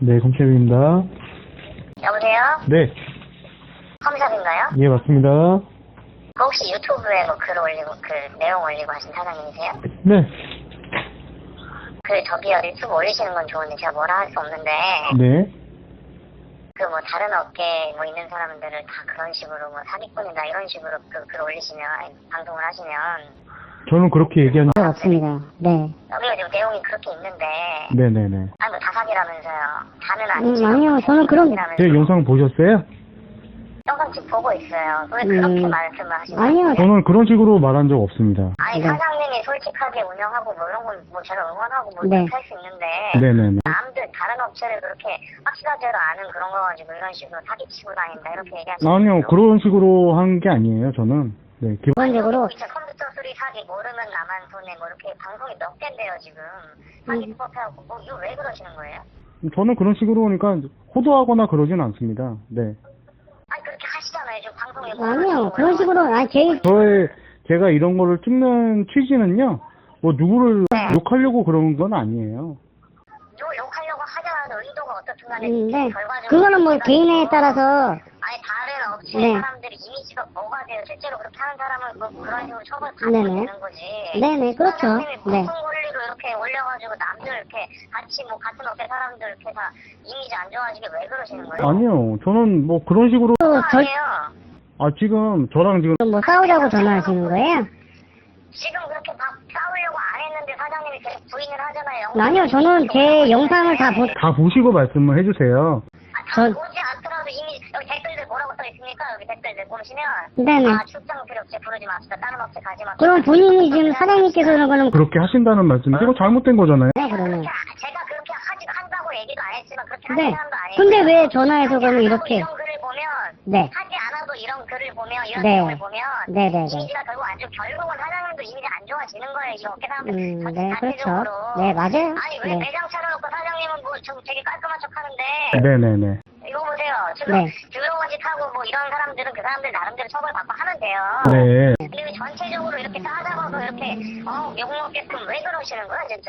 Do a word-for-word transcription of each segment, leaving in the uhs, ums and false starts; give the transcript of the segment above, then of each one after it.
네, 검찰입니다. 여보세요? 네, 컴샵인가요? 예, 맞습니다. 그 혹시 유튜브에 뭐 글 올리고 그 내용 올리고 하신 사장님이세요? 네, 그 저기요 유튜브 올리시는 건 좋은데 제가 뭐라 할 수 없는데 네. 그 뭐 다른 업계에 뭐 있는 사람들을 다 그런 식으로 뭐 사기꾼이다 이런 식으로 그 글 올리시면 방송을 하시면 저는 그렇게 얘기한 적 없습니다. 네. 여기가 지금 내용이 그렇게 있는데 네네네. 아니 뭐 다 사기라면서요. 다는 음, 아니지만 아니요, 저는 그런- 제 영상 보셨어요? 영상 지금 보고 있어요. 왜 그렇게 음, 말씀을 하시는 아니요. 거예요? 저는 그런 식으로 말한 적 없습니다. 아니 네. 사장님이 솔직하게 운영하고 뭐 이런 건 뭐 제가 응원하고 뭐 네. 이렇게 할 수 있는데 네네네. 남들 다른 업체를 그렇게 확실하지도 않은 그런 거 가지고 이런 식으로 사기치고 다닌다 이렇게 얘기하시는 아니요, 그런 식으로 한 게 아니에요, 저는. 네, 기본, 기본적으로 이제 컴퓨터 수리 사기 모르면 나만 손해 뭐 이렇게 방송이 몇 개인데요 지금 사기 음. 수법해갖고 뭐 이거 왜 그러시는 거예요? 저는 그런 식으로 하니까 호도하거나 그러진 않습니다. 네. 아니 그렇게 하시잖아요 지금 방송에 아니요, 그런 식으로 아니 제 저의, 제가 이런 거를 찍는 취지는요, 뭐 누구를 욕하려고 그런 건 아니에요. 욕, 욕하려고 하자라도 의도가 어떻든 간에 음, 네. 결과적으로 그거는 뭐 제가 개인에 이거 따라서 아니 다른 업체 네. 사람들이 이미지가 뭐가 돼요? 실제로 그렇게 하는 사람은 뭐 그런 식으로 처벌 네네. 받으면 되는 거지. 네네, 그렇죠. 사장님이 네. 무슨 권리로 이렇게 올려가지고 남들 이렇게 같이 뭐 같은 업체 사람들 이렇게 다 이미지 안 좋아지게 왜 그러시는 거예요? 아니요, 저는 뭐 그런 식으로, 또 절, 아니에요. 아, 지금 저랑 지금, 뭐 싸우자고 전화하시는 거예요? 지금 그렇게 막 싸우려고 안 했는데 사장님이 계속 부인을 하잖아요. 아니요, 저는 제 영상을 다 보, 다 보시고 말씀을 해주세요. 아, 다 전- 보지 않더라도 이미 여기 댓글들 뭐라고 써 있습니까? 여기 댓글들 보시면 네네. 아 출장 필요 없이 부르지 맙시다. 다른 업체 가지 맙시다. 그럼 본인이 지금 사장님께서 그런 거는 그렇게 하신다는 말씀이죠? 이거 잘못된 거잖아요. 네, 그러면. 그렇게 하- 제가 그렇게 하지 한다고 얘기도 안 했지만 그렇게 하는 네. 사람도 아니에요. 근데 왜 전화해서 그러면 하지 이렇게? 않아도 이런 글을 보면 네. 하지 않아도 이런 글을 보면 이런 네. 내용을 보면 네네네. 이미지가 결국 안 좋. 결국은 사장님도 이미지 안 좋아지는 거예요. 이 업계 사람들 음, 전- 네, 그렇죠. 전체적으로. 네, 맞아요. 아니 왜 네. 매장 차려놓고 사장님은 뭐 좀 되게 깔끔한 척하는데 네네네. 이거 보세요. 지금 네. 더러운 짓 하고 뭐 이런 사람들은 그 사람들 나름대로 처벌받고 하면 돼요. 네. 근데 왜 전체적으로 이렇게 싸잡아서 이렇게 어 욕먹게끔 왜 그러시는 거야 진짜?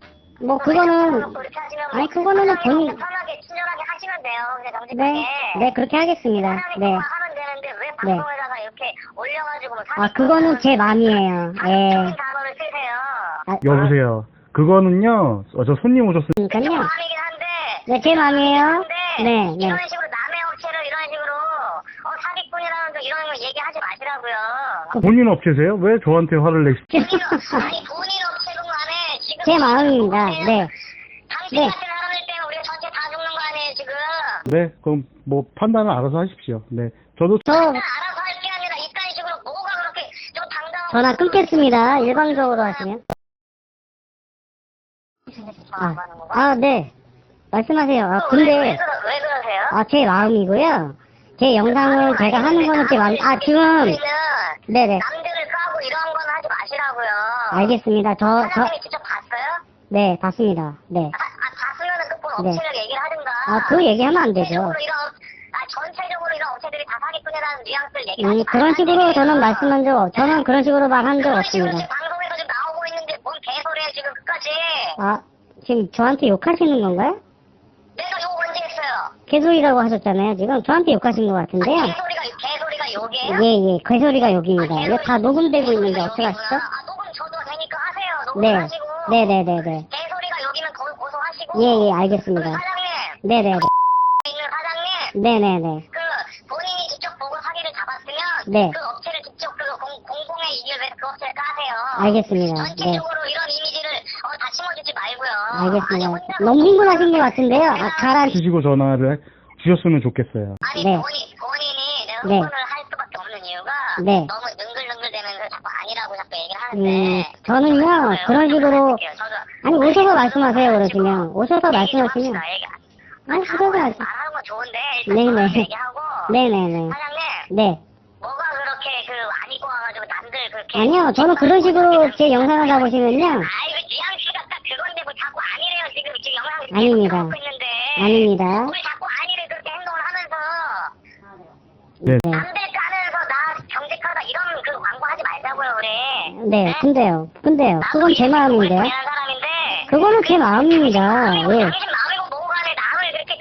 뭐 그거는 그렇게 하시면 아니, 그거는 본인- 편하게 친절하게 하시면 돼요. 그냥 정직하게. 네, 네 그렇게 하겠습니다. 사람이 네. 하면 되는데 왜 방송에다가 이렇게 올려가지고 뭐 아 그거는 제 마음이에요. 예. 적인 단어를 쓰세요. 아, 여보세요. 그거는요, 어, 저 손님 오셨어요. 제 그러니까요. 마음이긴 한데. 네, 제 마음이에요. 한데 네, 네. 이런 식으로 남의 업체를 이런 식으로 어 사기꾼이라는 거 이런 거 얘기하지 마시라고요. 본인 업체세요? 왜 저한테 화를 내시? 본인 업- 아니 본인 업체든 간에 지금 제 마음입니다. 네. 당신 네. 같은 사람들 때문에 우리가 전체 다 죽는 거 아니에요 지금. 네, 그럼 뭐 판단을 알아서 하십시오. 네. 저도 저 알아서 할 게 아니라 이딴 식으로 뭐가 그렇게 좀 당당하고 전화 끊겠습니다. 일방적으로 하시면. 아, 하는 건가? 아, 네. 말씀하세요. 아, 왜, 왜, 근데, 그러, 왜 그러세요? 아, 제 마음이고요. 제 영상을 제가 하는 거는 제 마음, 아, 지금, 우리는 네네. 남들을 까고 이런 건 하지 마시라고요. 알겠습니다. 저, 저, 사장님이 직접 봤어요? 네, 봤습니다. 네. 아, 아 봤으면은 그본 네. 업체를 얘기를 하든가. 아, 그 얘기하면 안 되죠. 전체적으로 이런, 아, 전체적으로 이런 업체들이 다 사기꾼이라는 뉘앙스를 얘기하지 음, 그런 식으로 저는 말씀한 적, 없- 저는 그런 식으로 말한 적 그런 식으로 없습니다. 지금 방송에서 지금 나오고 있는데 뭔 개소리야 지금 끝까지. 아, 지금 저한테 욕하시는 건가요? 내가 욕 언제 했어요? 개소리라고 하셨잖아요. 지금 저한테 욕하신 것 같은데요. 개소리가, 개소리가 욕이에요? 예, 예, 개소리가 욕입니다. 이거 다 녹음되고 있는데 어떡하시죠? 아, 녹음 저도 되니까 하세요. 녹음 네, 하시고. 네, 네, 네, 네. 개소리가 여기면 거기 고소하시고. 예, 예, 그리고 알겠습니다. 사장님, 네, 네, 있는 사장님, 네, 네, 네. 그 본인이 직접 보고 사기를 잡았으면 네. 그 업체를 직접 그 공, 공공의 이익을 위해서 그 업체를 까세요. 알겠습니다. 네. 전체적으로 이런 이미지를 어, 다 심어주지 말고요. 아니, 알겠습니다. 혼자 너무 흥분하신 것 같은데요. 아, 가라. 주시고 전화를 주셨으면 좋겠어요. 아니 네. 본인, 본인이 내가 네. 흥분을 할 수밖에 없는 이유가 네. 너무 능글능글대면서 자꾸 아니라고 자꾸 얘기를 음, 하는데 저는요, 그런 식으로, 저도 아니, 오셔서 말씀하세요, 그러시면. 오셔서 얘기 좀 말씀하시면. 합시다, 얘기. 아니, 오셔서 말씀. 말하는 건 좋은데 일단 네네. 전화로 얘기하고 네네네. 사장님 네. 뭐가 그렇게 그 안 입고 와가지고 남들 그렇게 아니요, 저는 그런 식으로 제 영상을 다 보시면요. 아이고 뉘앙스가 딱 그건데 뭐 자꾸 아니래요 지금 지금 영상 아닙니다. 하고 있는데 아닙니다. 우리 자꾸 아니래 그렇게 행동을 하면서 네. 네. 남들 까면서 나 정직하다 이런 그 광고 하지 말자고요 우리. 네, 근데요. 근데요. 그건 제 마음인데요. 당연한 사람인데 그거는 제 마음입니다. 당신 예. 마음이고 뭐고 간에 남을 그렇게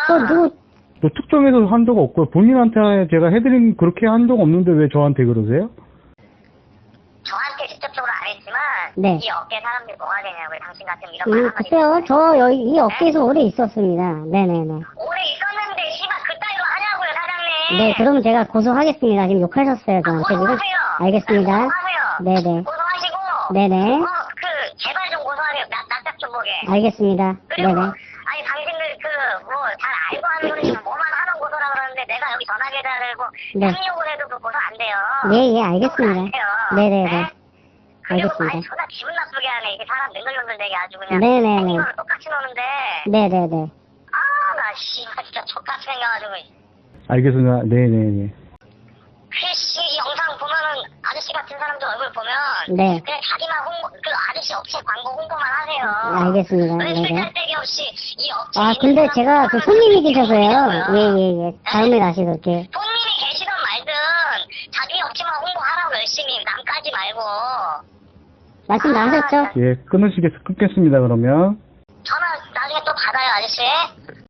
또 누구, 또 특정해서 한 적 없고요. 본인한테 제가 해드린 그렇게 한 적 없는데 왜 저한테 그러세요? 저한테 직접적으로 안 했지만 네. 이 업계 사람들이 뭐가 되냐고요. 당신 같은 이런 말 음, 하면 글쎄요, 저 여기 이 업계에서 오래 있었습니다. 네네네. 오래 있었는데 씨발 그따위로 하냐고요, 사장님. 네, 그럼 제가 고소하겠습니다. 지금 욕하셨어요, 저한테 지금. 고소하세요. 알겠습니다. 고소하세요. 네네. 고소하시고 네네. 어, 그 제발 좀 고소하세요. 나 납작 좀 보게. 알겠습니다. 그리고 네네. 아니 당신들 그 뭐 잘 알고 하는 분이면 뭐만 하는 고소라 그러는데 내가 여기 전화 계좌 들고 네. 협력을 해도 그 고소 안 돼요. 예, 예, 고소 안 알겠습니다. 돼요. 네네네. 네? 그리고 알겠습니다. 아니 존나 기분 나쁘게 하네. 이게 사람 능글능글되게 아주 그냥 네네네. 이거랑 똑같이 노는데 네네네. 아 나 씨발 진짜 족같이 생겨가지고 알겠습니다. 네네네. 그씨 영상 보면은 아저씨 같은 사람들 얼굴 보면 네. 그냥 자기만 홍보 그 아저씨 업체 광고 홍보만 하세요. 알겠습니다. 왜 네네. 쓸데기 없이 이 업체 아, 있는 근데 사람 제가 그 하면은 손님이 그렇게 계셔서요. 홍보하냐고요. 예, 예, 예. 다음에 다시 그렇게. 손님이 계시든 말든 자기 업체만 홍보하라고 열심히 남까지 말고 말씀 다 하셨죠? 예, 끊으시겠, 끊겠습니다, 그러면. 전화 나중에 또 받아요 아저씨.